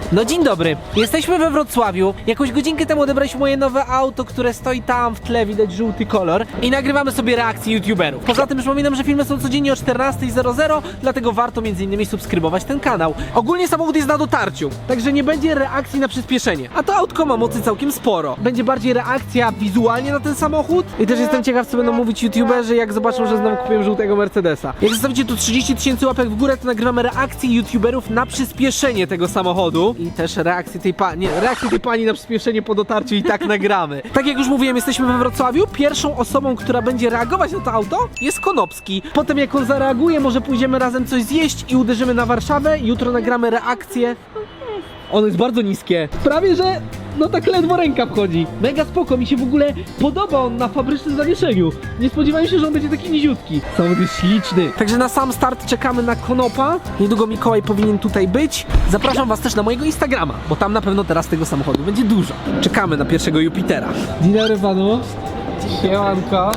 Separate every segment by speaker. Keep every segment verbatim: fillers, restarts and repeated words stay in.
Speaker 1: No dzień dobry, jesteśmy we Wrocławiu. Jakąś godzinkę temu odebraliśmy moje nowe auto, które stoi tam w tle, widać żółty kolor. I nagrywamy sobie reakcje youtuberów. Poza tym przypominam, że filmy są codziennie o czternasta zero zero, dlatego warto między innymi subskrybować ten kanał. Ogólnie samochód jest na dotarciu, także nie będzie reakcji na przyspieszenie. A to autko ma mocy całkiem sporo. Będzie bardziej reakcja wizualnie na ten samochód. I też jestem ciekaw, co będą mówić youtuberzy, jak zobaczą, że znowu kupiłem żółtego Mercedesa. Jak zostawicie tu trzydzieści tysięcy łapek w górę, to nagrywamy reakcję youtuberów na przyspieszenie tego samochodu. I też reakcję tej pani, nie, reakcję tej pani na przyspieszenie po dotarciu i tak nagramy. Tak jak już mówiłem, jesteśmy we Wrocławiu. Pierwszą osobą, która będzie reagować na to auto, jest Konopski. Potem jak on zareaguje, może pójdziemy razem coś zjeść i uderzymy na Warszawę. Jutro nagramy reakcję. Ono jest bardzo niskie. Prawie, że no tak ledwo ręka wchodzi. Mega spoko, mi się w ogóle podoba on na fabrycznym zawieszeniu. Nie spodziewałem się, że on będzie taki niziutki. Samochód jest śliczny. Także na sam start czekamy na Konopa. Niedługo Mikołaj powinien tutaj być. Zapraszam was też na mojego Instagrama, bo tam na pewno teraz tego samochodu będzie dużo. Czekamy na pierwszego Jupitera. Dzień dobry panu. Siemanko.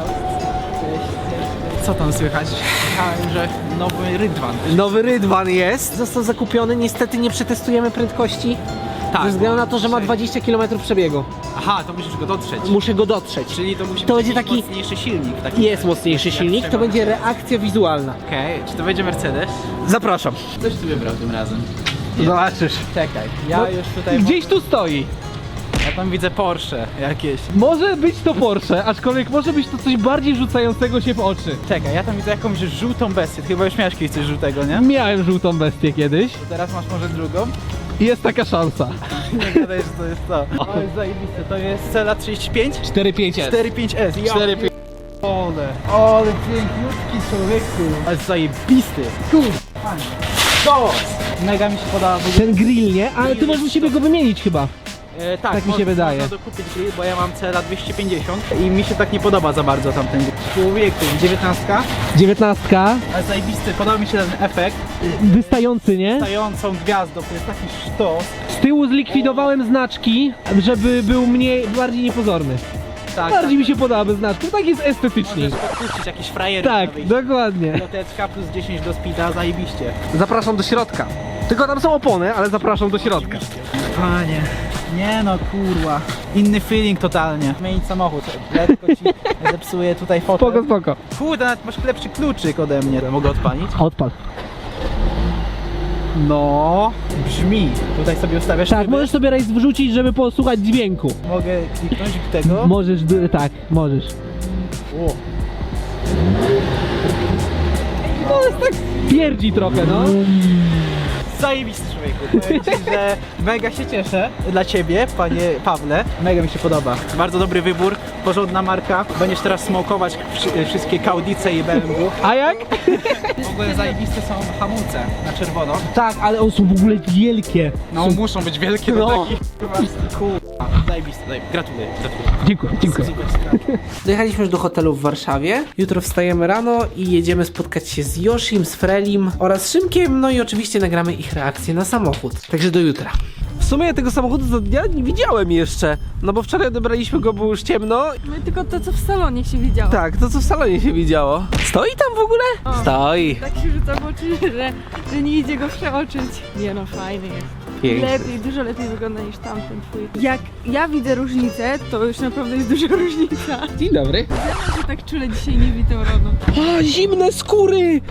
Speaker 2: Co tam słychać? Słyszałem, że nowy Rydwan.
Speaker 1: Nowy Rydwan jest. Został zakupiony, niestety nie przetestujemy prędkości.
Speaker 2: Tak.
Speaker 1: Ze względu na to, że ma dwadzieścia kilometrów przebiegu.
Speaker 2: Aha, to musisz go dotrzeć.
Speaker 1: Muszę go dotrzeć.
Speaker 2: Czyli to musi
Speaker 1: To
Speaker 2: być
Speaker 1: będzie
Speaker 2: jakiś
Speaker 1: taki-
Speaker 2: mocniejszy silnik. Taki
Speaker 1: Jest mocniejszy
Speaker 2: jak
Speaker 1: silnik, to
Speaker 2: trzeba.
Speaker 1: będzie reakcja wizualna.
Speaker 2: Okej, czy to będzie Mercedes?
Speaker 1: Zapraszam.
Speaker 2: Coś tu wybrał tym razem.
Speaker 1: Zobaczysz.
Speaker 2: Czekaj, ja
Speaker 1: No,
Speaker 2: już tutaj...
Speaker 1: Gdzieś tu stoi.
Speaker 2: Ja tam widzę Porsche jakieś.
Speaker 1: Może być to Porsche, aczkolwiek może być to coś bardziej rzucającego się w oczy.
Speaker 2: Czekaj, ja tam widzę jakąś żółtą bestię. Ty chyba już miałeś kiedyś coś żółtego, nie?
Speaker 1: Miałem żółtą bestię kiedyś.
Speaker 2: To teraz masz może drugą?
Speaker 1: Jest taka szansa.
Speaker 2: Nie gadaj, że to jest to. O, jest zajebiste. To jest Cela trzydzieści pięć?
Speaker 1: cztery pięć S.
Speaker 2: cztery pięć S. Ja
Speaker 1: cztery pięć.
Speaker 2: Ole, ole piękniutki człowieku. Ale zajebisty. Kurde, fajnie. To! Mega mi się podoba. w ogóle.
Speaker 1: Ten grill, nie? Ale ty możesz u siebie go wymienić chyba.
Speaker 2: E, tak,
Speaker 1: Tak mi się
Speaker 2: mo-
Speaker 1: wydaje.
Speaker 2: Można dokupić grill, bo ja mam Cela dwieście pięćdziesiąt i mi się tak nie podoba za bardzo tamten grill. Człowieku, dziewiętnastka,
Speaker 1: dziewiętnastka.
Speaker 2: ale zajebisty, podoba mi się ten efekt.
Speaker 1: Wystający, nie?
Speaker 2: Stającą gwiazdą, to jest taki sztos.
Speaker 1: Z tyłu zlikwidowałem znaczki, żeby był mniej, bardziej niepozorny.
Speaker 2: Tak,
Speaker 1: Bardziej mi się podoba znaczki, tak jest
Speaker 2: tak.
Speaker 1: estetycznie.
Speaker 2: Możesz podpuścić jakieś frajery na
Speaker 1: Tak,
Speaker 2: wyjście.
Speaker 1: dokładnie.
Speaker 2: Loteczka plus dziesięć do speeda, zajebiście.
Speaker 1: Zapraszam do środka. Tylko tam są opony, ale zapraszam do środka.
Speaker 2: Panie, nie no kurwa, inny feeling totalnie. Zmienić samochód, lekko ci zepsuje tutaj fotel.
Speaker 1: Spoko, spoko.
Speaker 2: Kurde, nawet masz lepszy kluczyk ode mnie. Mogę odpalić?
Speaker 1: Odpal.
Speaker 2: No, brzmi. Tutaj sobie ustawiasz
Speaker 1: Tak,
Speaker 2: tryby.
Speaker 1: możesz sobie rejs wrzucić, żeby posłuchać dźwięku.
Speaker 2: Mogę kliknąć tego.
Speaker 1: Możesz, d- tak, możesz.
Speaker 2: O.
Speaker 1: No jest tak pierdzi trochę, no.
Speaker 2: Zajebisty człowieku. Powiem ci, że mega się cieszę dla ciebie, panie Pawle. Mega mi się podoba. Bardzo dobry wybór, porządna marka. Będziesz teraz smokować wszy- wszystkie Kaudice i B M W.
Speaker 1: A jak?
Speaker 2: W ogóle zajebiste są hamulce na czerwono.
Speaker 1: Tak, ale one są w ogóle wielkie.
Speaker 2: No muszą być wielkie do
Speaker 1: No.
Speaker 2: takich kurwa. Zajebiste, zajebiste. Gratuluję, gratuluję.
Speaker 1: Dziękuję, dziękuję.
Speaker 2: Super sprawa.
Speaker 1: Dojechaliśmy już do hotelu w Warszawie. Jutro wstajemy rano i jedziemy spotkać się z Yoshim, z Frelim oraz Szymkiem, no i oczywiście nagramy ich reakcję na samochód. Także do jutra. W sumie ja tego samochodu za dnia nie widziałem jeszcze, no bo wczoraj odebraliśmy go, było już ciemno.
Speaker 3: No i tylko to, co w salonie się widziało.
Speaker 1: Tak, to co w salonie się widziało. Stoi tam w ogóle?
Speaker 3: O.
Speaker 1: Stoi.
Speaker 3: Tak się rzuca w oczy, że, że nie idzie go przeoczyć. Nie no, fajny jest.
Speaker 1: Piękny.
Speaker 3: Lepiej, dużo lepiej wygląda niż tamten twój. Jak ja widzę różnicę, to już naprawdę jest duża różnica.
Speaker 1: Dzień dobry.
Speaker 3: Ja się tak czule dzisiaj nie widzę rano.
Speaker 1: A, zimne skóry!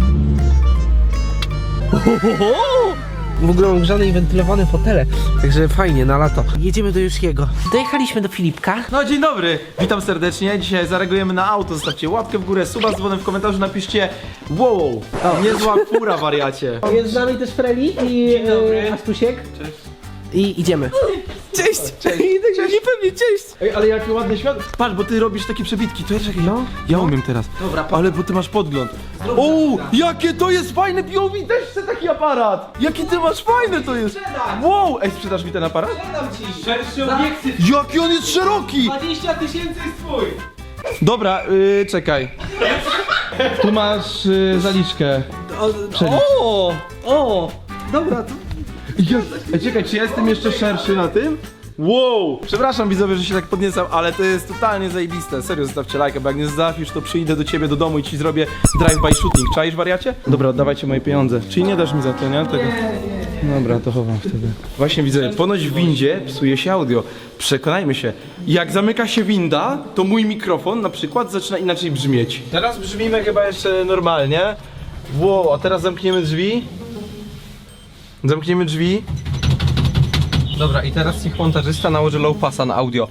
Speaker 1: Ohoho! W ogóle mam grzane i wentylowane fotele, także fajnie, na lato. Jedziemy do Yoshiego. Dojechaliśmy do Filipka.
Speaker 4: No dzień dobry, witam serdecznie. Dzisiaj zareagujemy na auto. Zostawcie łapkę w górę, suba z dzwonem, w komentarzu napiszcie wow, niezła fura, wariacie.
Speaker 1: Jest z nami też Freli i e, Astusiek.
Speaker 4: Cześć.
Speaker 1: I idziemy.
Speaker 4: Cześć, cześć, cześć. Niepewnie, cześć. Ej, ale jakie ładne światło. Patrz, bo ty robisz takie przebitki, to ja czekaj.
Speaker 1: No.
Speaker 4: Ja umiem teraz.
Speaker 1: Dobra,
Speaker 4: Ale bo ty masz podgląd. O, jakie to jest fajne P O V, też chcę taki aparat. Jaki ty masz fajny to jest. Wow, ej, sprzedasz mi ten aparat?
Speaker 1: Sprzedam ci szerszy obiektyw.
Speaker 4: Jaki on jest szeroki.
Speaker 1: dwadzieścia tysięcy jest twój.
Speaker 4: Dobra, yy, czekaj. Tu masz yy, zaliczkę.
Speaker 1: O, o, dobra, to...
Speaker 4: Ej, czekaj, czy ja jestem jeszcze szerszy na tym? Wow! Przepraszam widzowie, że się tak podniecam, ale to jest totalnie zajebiste. Serio, zostawcie lajka, bo jak nie zostawisz, to przyjdę do ciebie do domu i ci zrobię drive-by shooting. Czaisz, wariacie? Dobra, oddawajcie moje pieniądze. Czyli nie dasz mi za to, nie? Tego.
Speaker 1: Nie, nie, nie.
Speaker 4: Dobra, to chowam wtedy. Właśnie widzę, ponoć w windzie psuje się audio. Przekonajmy się, jak zamyka się winda, to mój mikrofon na przykład zaczyna inaczej brzmieć. Teraz brzmimy chyba jeszcze normalnie. Wow, a teraz zamkniemy drzwi. Zamkniemy drzwi. Dobra, i teraz niech montażysta nałoży low passa na audio.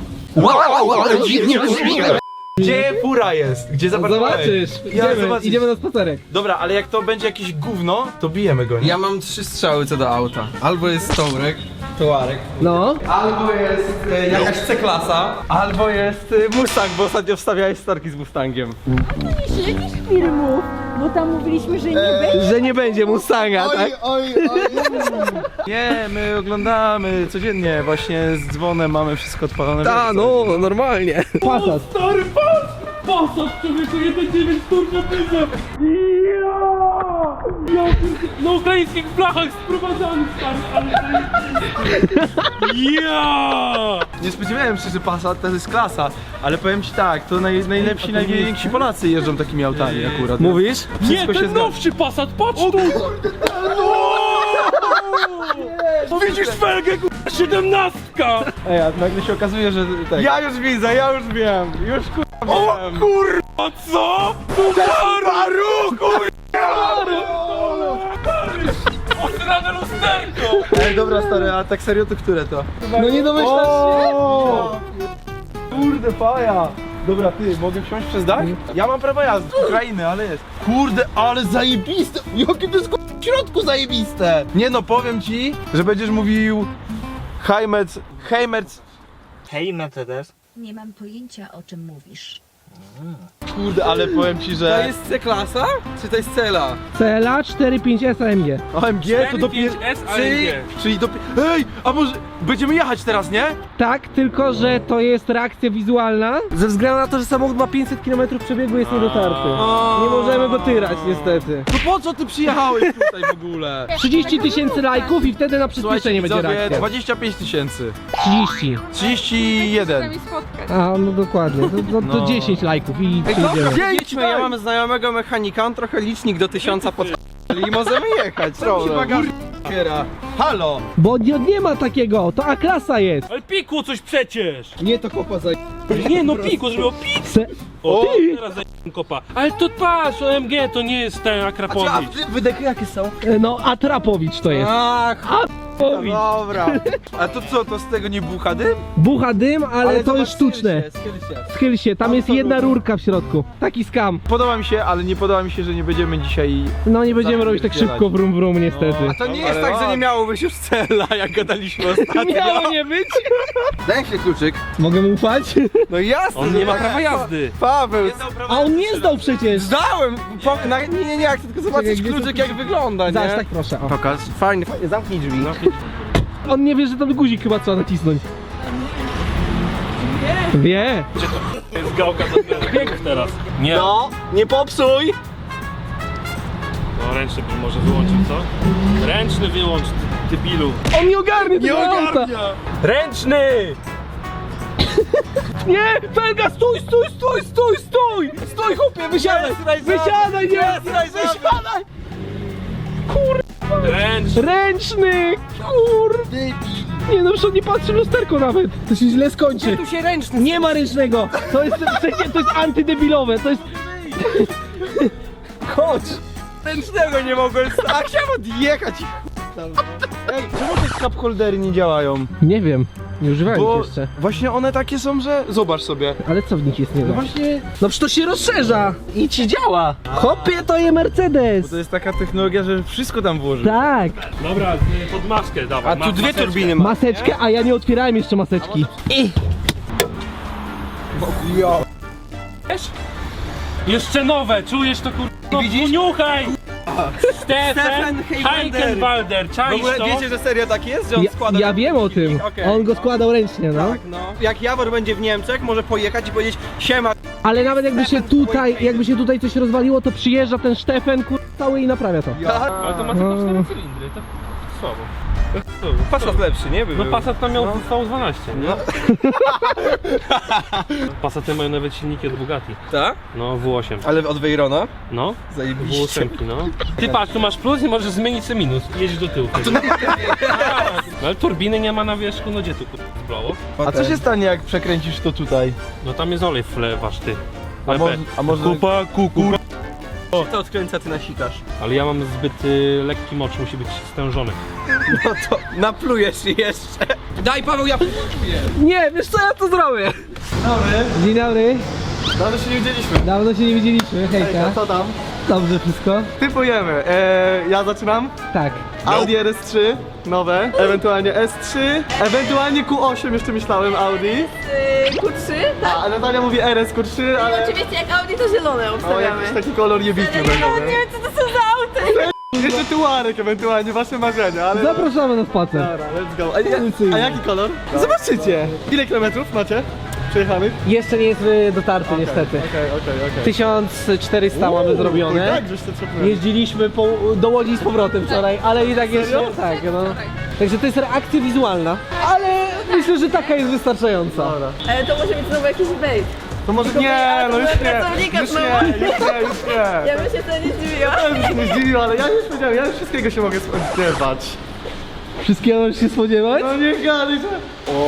Speaker 4: Gdzie fura jest? Gdzie zaparkowałeś?
Speaker 1: Zobaczysz,
Speaker 4: Ja
Speaker 1: idziemy,
Speaker 4: zobaczysz.
Speaker 1: idziemy na spacerek.
Speaker 4: Dobra, ale jak to będzie jakieś gówno, to bijemy go, nie?
Speaker 5: Ja mam trzy strzały co do auta. Albo jest Tołrek, Tołarek,
Speaker 1: No.
Speaker 5: albo jest e, jakaś C-klasa.
Speaker 4: Albo jest y, Mustang, bo ostatnio wstawiałeś starki z Mustangiem.
Speaker 3: Jakichś filmów, bo tam mówiliśmy, że nie będzie.
Speaker 1: Że nie będzie Mustanga, tak?
Speaker 5: oj, oj.
Speaker 4: Nie, my oglądamy codziennie, właśnie z dzwonem mamy wszystko odpalone.
Speaker 1: Ta, no, normalnie. Passat.
Speaker 6: Stary, pas! Pasat, człowieku, jeden dziewięć turbo diesel! Ja! Ja na ukraińskich blachach sprowadzany, stary, ale ja!
Speaker 4: Nie spodziewałem się, że Passat to jest klasa, ale powiem ci tak, to naj, najlepsi, najwięksi Polacy jeżdżą takimi autami akurat.
Speaker 1: Mówisz?
Speaker 6: Nie,
Speaker 4: Wszystko się
Speaker 6: ten
Speaker 4: zgadza.
Speaker 6: nowszy Passat, patrz tu! No! Widzisz felgę, k***a, siedemnastka!
Speaker 4: Ej, a nagle się okazuje, że tak.
Speaker 5: Ja już widzę, ja już wiem, już kurwa
Speaker 6: O
Speaker 5: wiem.
Speaker 6: kurwa, co? Subaru, kurwa! Osrane lusterko!
Speaker 4: Ej, dobra stary, a tak serio to które to?
Speaker 1: No nie domyślasz się?
Speaker 4: O! Kurde, faja! Dobra, ty, mogę wsiąść przez dach? Ja mam prawo jazdy, z Ukrainy, ale jest. Kurde, ale zajebiste! Jakie to jest k***a, w środku zajebiste! Nie no, powiem ci, że będziesz mówił Heimerz, Heimerz.
Speaker 6: Hej, Mercedes.
Speaker 7: Nie mam pojęcia, o czym mówisz.
Speaker 4: Kurde, ale powiem ci,
Speaker 5: To
Speaker 4: że
Speaker 5: jest C-klasa? Czy to jest Cela?
Speaker 1: C L A cztery pięć S A M G.
Speaker 4: O M G to dopiero...
Speaker 6: S A M
Speaker 4: Czyli,
Speaker 6: G.
Speaker 4: czyli dopiero... Ej, a może będziemy jechać teraz, nie?
Speaker 1: Tak, tylko że to jest reakcja wizualna. Ze względu na to, że samochód ma pięćset kilometrów przebiegu, jest niedotarty. Nie możemy go tyrać niestety.
Speaker 4: To po co ty przyjechałeś tutaj w ogóle?
Speaker 1: trzydzieści tysięcy lajków i wtedy na przyspieszenie będzie
Speaker 4: widzowie,
Speaker 1: reakcja.
Speaker 4: dwadzieścia pięć tysięcy.
Speaker 1: trzydzieści.
Speaker 4: trzydzieści jeden.
Speaker 3: spotkać.
Speaker 1: A, no dokładnie. To, to, to
Speaker 4: No.
Speaker 1: dziesięć lajków i
Speaker 5: Ej, dobra,
Speaker 1: przyjdziemy.
Speaker 5: jedźmy, ja mam znajomego mechanika, on trochę licznik do tysiąca pod... i możemy jechać, problem.
Speaker 4: Otwiera. Halo!
Speaker 1: Bo nie, nie ma takiego, to A-klasa jest.
Speaker 6: Ale pikło coś przecież!
Speaker 5: Nie, to chłopa za...
Speaker 6: Nie no, pikło, żeby o pik!
Speaker 1: Se...
Speaker 6: O,
Speaker 1: Ty!
Speaker 6: teraz za kopa. Ale to patrz, O M G to nie jest ten Akrapowicz.
Speaker 5: Wydechy jakie są?
Speaker 1: E, No, Atrapowicz to jest.
Speaker 5: Ach,
Speaker 1: Atrapowicz.
Speaker 5: dobra.
Speaker 4: A to co, to z tego nie bucha dym?
Speaker 1: Bucha dym, ale, to
Speaker 5: zobacz,
Speaker 1: jest sztuczne.
Speaker 5: schyl się, schyl się.
Speaker 1: Schyl się, tam jest jedna rurka w środku. Taki skam.
Speaker 4: Podoba mi się, ale nie podoba mi się, że nie będziemy dzisiaj...
Speaker 1: No nie będziemy robić tak
Speaker 4: Zapierdzielać.
Speaker 1: szybko wrum wrum niestety.
Speaker 5: A to nie
Speaker 4: Dobra,
Speaker 5: jest tak, że
Speaker 4: dobra.
Speaker 5: nie miało być już Cela, jak gadaliśmy ostatnio.
Speaker 1: Miało nie być.
Speaker 5: Daj się kluczyk.
Speaker 1: Mogę mu ufać?
Speaker 5: No jasne,
Speaker 6: On
Speaker 5: że
Speaker 6: nie ma
Speaker 5: tak.
Speaker 6: prawa jazdy.
Speaker 5: Paweł,
Speaker 1: A on nie zdał przecież.
Speaker 5: zdałem! Po, na, nie, nie, nie, chcę tylko zobaczyć
Speaker 1: Czekaj, gdzie
Speaker 5: kluczyk
Speaker 1: to-
Speaker 5: jak wygląda, nie?
Speaker 1: Zaś tak proszę. O.
Speaker 5: Pokaż, fajnie, fajnie, zamknij drzwi.
Speaker 1: On nie wie, że tam guzik chyba trzeba nacisnąć. Wie.
Speaker 6: Jest gałka do biegów teraz. Nie.
Speaker 5: No, nie popsuj!
Speaker 6: No ręczny bym może wyłączył, co? Ręczny wyłącz, ty debilu.
Speaker 1: On nie ogarnie tego auta.
Speaker 6: Ręczny!
Speaker 1: Nie! Felga, stój, stój, stój, stój, stój! Stój, chłopie, wysiadaj! Wysiadaj, nie! Wysiadaj!
Speaker 6: Ręczny!
Speaker 1: Ręczny! Kur... Nie no, przecież on nie patrzy w lusterko nawet. To się źle skończy.
Speaker 5: Tu się ręczny.
Speaker 1: Nie ma ręcznego. To jest, przecież to jest antydebilowe. To jest...
Speaker 5: Chodź! Ręcznego nie mogłem, a chciałem odjechać.
Speaker 4: Ej, czemu te cup holdery nie działają?
Speaker 1: Nie wiem. Nie używałem
Speaker 4: Bo
Speaker 1: ich jeszcze.
Speaker 4: właśnie one takie są, że... Zobacz sobie.
Speaker 1: Ale co w nich jest nie
Speaker 4: No
Speaker 1: tak?
Speaker 4: właśnie...
Speaker 1: No przecież to się rozszerza i ci działa. Hopie, to jest Mercedes.
Speaker 4: To jest taka technologia, że wszystko tam włożysz.
Speaker 1: Tak.
Speaker 6: Dobra, y, pod maskę dawaj.
Speaker 5: A tu
Speaker 6: ma-
Speaker 5: dwie
Speaker 6: maseczkę.
Speaker 5: turbiny ma.
Speaker 1: Maseczkę, a ja nie otwierałem jeszcze maseczki.
Speaker 6: Wiesz? Jeszcze nowe, czujesz to kur... No,
Speaker 5: widzisz?
Speaker 6: Niuchaj! Stefan
Speaker 5: Stefan
Speaker 6: Heikenwalder,
Speaker 5: W
Speaker 6: czaisz
Speaker 5: ogóle
Speaker 6: to?
Speaker 5: wiecie, że serio tak jest, że on
Speaker 1: Ja,
Speaker 5: składa...
Speaker 1: ja wiem o tym.
Speaker 5: Okej.
Speaker 1: On go składał ręcznie, no.
Speaker 5: Tak, no. Jak Jawor będzie w Niemczech, może pojechać i powiedzieć siema.
Speaker 1: Ale nawet jakby się tutaj, jakby się tutaj coś rozwaliło, to przyjeżdża ten Stefan, kur... cały i naprawia to.
Speaker 6: Ale to ma tylko cztery cylindry, to słabo.
Speaker 5: Passat lepszy, nie? By
Speaker 6: No
Speaker 5: był.
Speaker 6: Passat tam miał V dwanaście, nie? Passaty mają nawet silniki od Bugatti.
Speaker 5: Tak?
Speaker 6: No, W osiem.
Speaker 5: Ale od Veyrona?
Speaker 6: No, W
Speaker 5: Zajebiście.
Speaker 6: osiem, no. Ty patrz, tu masz plus i możesz zmienić sobie minus. Jedź do tyłu. No, ale turbiny nie ma na wierzchu, no gdzie tu zblało?
Speaker 4: A co się stanie, jak przekręcisz to tutaj?
Speaker 6: No tam jest olej wlewasz ty.
Speaker 4: A
Speaker 6: Ale,
Speaker 4: może, a może...
Speaker 6: kupa, kuku.
Speaker 5: To odkręca, ty nasikasz.
Speaker 6: Ale ja mam zbyt y, lekki mocz, musi być stężony.
Speaker 5: No to naplujesz jeszcze. Daj Paweł, ja
Speaker 1: Nie, wiesz co, ja to zrobię.
Speaker 2: Dobry,
Speaker 1: Dzień dobry.
Speaker 2: dawno się nie widzieliśmy.
Speaker 1: Dawno się nie widzieliśmy, hejka.
Speaker 2: Co tam?
Speaker 1: Dobrze wszystko?
Speaker 2: Typujemy. Eee, ja zaczynam.
Speaker 1: Tak.
Speaker 2: Audi R S trzy, nowe, ewentualnie S trzy, ewentualnie Q osiem jeszcze myślałem Audi.
Speaker 3: Q trzy, tak?
Speaker 2: A Natalia mówi R S Q trzy, ale...
Speaker 3: Oczywiście jak Audi to zielone
Speaker 2: O,
Speaker 3: obstawiamy.
Speaker 2: jakiś taki kolor niebieski
Speaker 3: Ja
Speaker 2: będzie.
Speaker 3: nawet nie wiem co to są za auty.
Speaker 2: Jeszcze tuarek ewentualnie, wasze marzenia, ale...
Speaker 1: Zapraszamy na spacer.
Speaker 2: Dobra, let's go. A, a jaki kolor? Zobaczycie. Ile kilometrów macie przejechanych?
Speaker 1: Jeszcze nie jest y, dotarty niestety.
Speaker 2: Okej, okej, okej.
Speaker 1: tysiąc czterysta mamy zrobione.
Speaker 2: Tak, żeś to trzepnąłeś.
Speaker 1: Jeździliśmy po, do Łodzi z powrotem wczoraj, ale i tak jeszcze... Tak, no. Także to jest reakcja wizualna, ale myślę, że taka jest wystarczająca.
Speaker 2: Dobra.
Speaker 3: Ale to może być znowu jakiś bait.
Speaker 2: To może
Speaker 3: Tylko
Speaker 2: nie,
Speaker 3: ale
Speaker 2: no
Speaker 3: to
Speaker 2: już
Speaker 3: były
Speaker 2: nie,
Speaker 3: pracownika
Speaker 2: już
Speaker 3: znowu.
Speaker 2: nie, już nie, już nie.
Speaker 3: Ja bym się wtedy nie zdziwiła.
Speaker 2: Ja bym się nie zdziwił, ale ja już powiedziałem, ja już wszystkiego się mogę spodziewać.
Speaker 1: Wszystkiego możesz się spodziewać?
Speaker 2: No nie gadaj, że...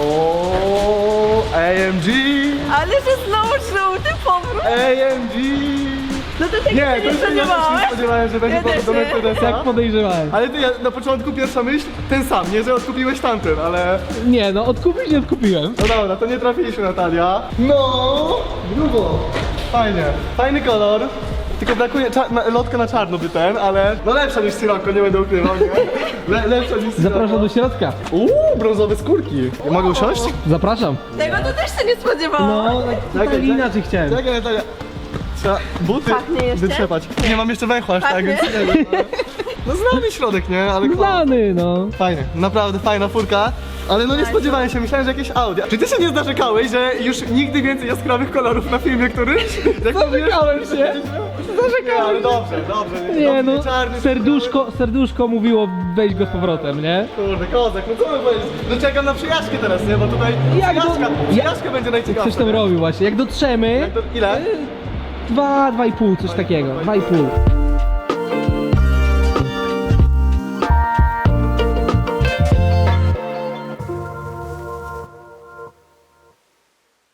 Speaker 2: O, A M G,
Speaker 3: Ale że znowu żółty powrót.
Speaker 2: A M G.
Speaker 3: No to tego
Speaker 2: Nie,
Speaker 3: się
Speaker 2: to
Speaker 3: nie
Speaker 2: już ja też nie
Speaker 3: spodziewałeś.
Speaker 2: spodziewałem, że będzie
Speaker 3: Ja
Speaker 2: powrót do
Speaker 3: też nie.
Speaker 2: Mercedesa.
Speaker 1: Tak podejrzewałem.
Speaker 2: Ale ty, ja, na początku pierwsza myśl, ten sam, nie, że odkupiłeś tamten, ale...
Speaker 1: Nie, no odkupić nie odkupiłem.
Speaker 2: No dobra, to nie trafiliśmy, Natalia. No, grubo. Fajnie, fajny kolor. Tylko brakuje cza- na, lotka na czarno by ten, ale no lepsza niż Sirocco, nie będę ukrywał, nie? Le, lepsza niż Sirocco.
Speaker 1: Zapraszam do środka.
Speaker 2: Uuu, brązowe skórki. Ja mogę usiąść?
Speaker 1: Zapraszam.
Speaker 3: Tego to też się nie spodziewałam.
Speaker 1: No, tak totalnie inaczej chciałem.
Speaker 2: Czekaj, Natalia. Trzeba buty
Speaker 3: Pachnie jeszcze?
Speaker 2: wytrzepać. Nie mam jeszcze węchła aż tak,
Speaker 3: Pachnie?
Speaker 2: więc nie wiem. ale- No znamy środek, nie? Ale
Speaker 1: Znany, no.
Speaker 2: fajny, naprawdę fajna furka. Ale no nie spodziewałem się, myślałem, że jakieś Audi. Czy ty się nie narzekałeś, że już nigdy więcej jaskrawych kolorów na filmie któryś? Jak
Speaker 1: Zarzekałem się.
Speaker 2: Nie, ale dobrze, dobrze.
Speaker 1: Nie no,
Speaker 2: czarny,
Speaker 1: serduszko, serduszko mówiło weź go z powrotem, nie?
Speaker 2: Kurde, kozak, no co my powiedzieć? No czekam na przyjaźdźkę teraz, nie? Bo tutaj
Speaker 1: Jak do-
Speaker 2: przyjaźdźka,
Speaker 1: ja-
Speaker 2: przyjaźćka będzie najciekawsza.
Speaker 1: Coś tam
Speaker 2: nie?
Speaker 1: robił właśnie. Jak dotrzemy,
Speaker 2: To ile?
Speaker 1: dwa, dwa i pół, coś takiego. Dwa i pół.